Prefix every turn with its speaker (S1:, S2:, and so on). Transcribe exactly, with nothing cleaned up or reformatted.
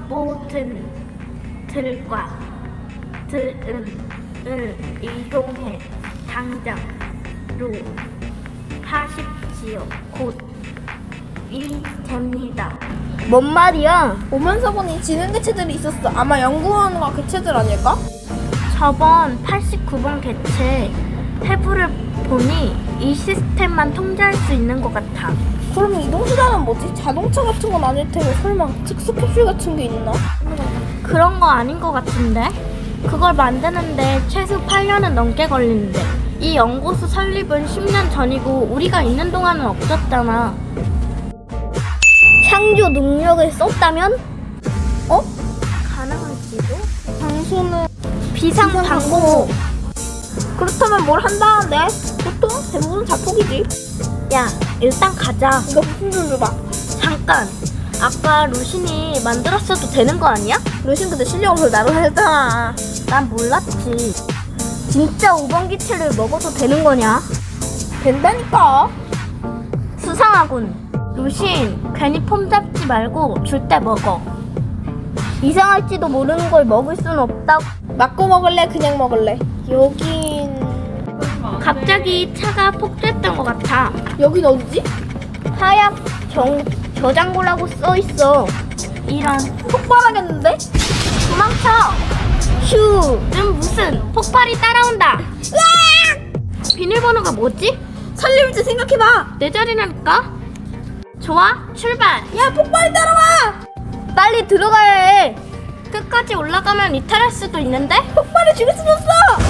S1: 모든 들과 들을 이동해 당장로 하십시오. 곧이 됩니다.
S2: 뭔 말이야?
S3: 오면서 보니 지능 개체들이 있었어. 아마 연구원과 개체들 아닐까?
S1: 저번 팔십구 번 개체 해부를 보니 이 시스템만 통제할 수 있는 것 같아.
S3: 그럼 이동수단은 뭐지? 자동차 같은 건 아닐 테고 설마 특수 캡슐 같은 게 있나?
S1: 그런 거 아닌 것 같은데? 그걸 만드는데 최소 팔 년은 넘게 걸리는데 이 연구소 설립은 십 년 전이고 우리가 있는 동안은 없었잖아.
S2: 창조 능력을 썼다면?
S3: 어?
S1: 가능할지도?
S3: 장소는
S1: 비상방고.
S3: 그렇다면 뭘 한다는데? 보통 대부분 자폭이지.
S1: 야, 일단 가자.
S3: 이거 부품 좀 줘봐.
S1: 잠깐. 아까 루신이 만들었어도 되는 거 아니야?
S3: 루신 근데 실력으로 나를 했잖아.
S1: 난 몰랐지.
S2: 진짜 오 번 기체를 먹어도 되는 거냐?
S3: 된다니까.
S1: 수상하군. 루신, 괜히 폼 잡지 말고 줄 때 먹어.
S2: 이상할지도 모르는 걸 먹을 순 없다고.
S3: 맞고 먹을래? 그냥 먹을래? 여긴...
S1: 갑자기 차가 폭주했던 것 같아.
S3: 여긴 어디지?
S2: 하약 정, 저장고라고 써있어.
S1: 이런.
S3: 폭발하겠는데?
S1: 도망쳐!
S2: 휴!
S1: 는 무슨 폭발이 따라온다. 비밀번호가 뭐지?
S3: 살림지 생각해봐.
S1: 내 자리라니까? 좋아, 출발!
S3: 야, 폭발이 따라와.
S2: 빨리 들어가야 해.
S1: 끝까지 올라가면 이탈할 수도 있는데?
S3: 폭발이 죽일 수도 없어.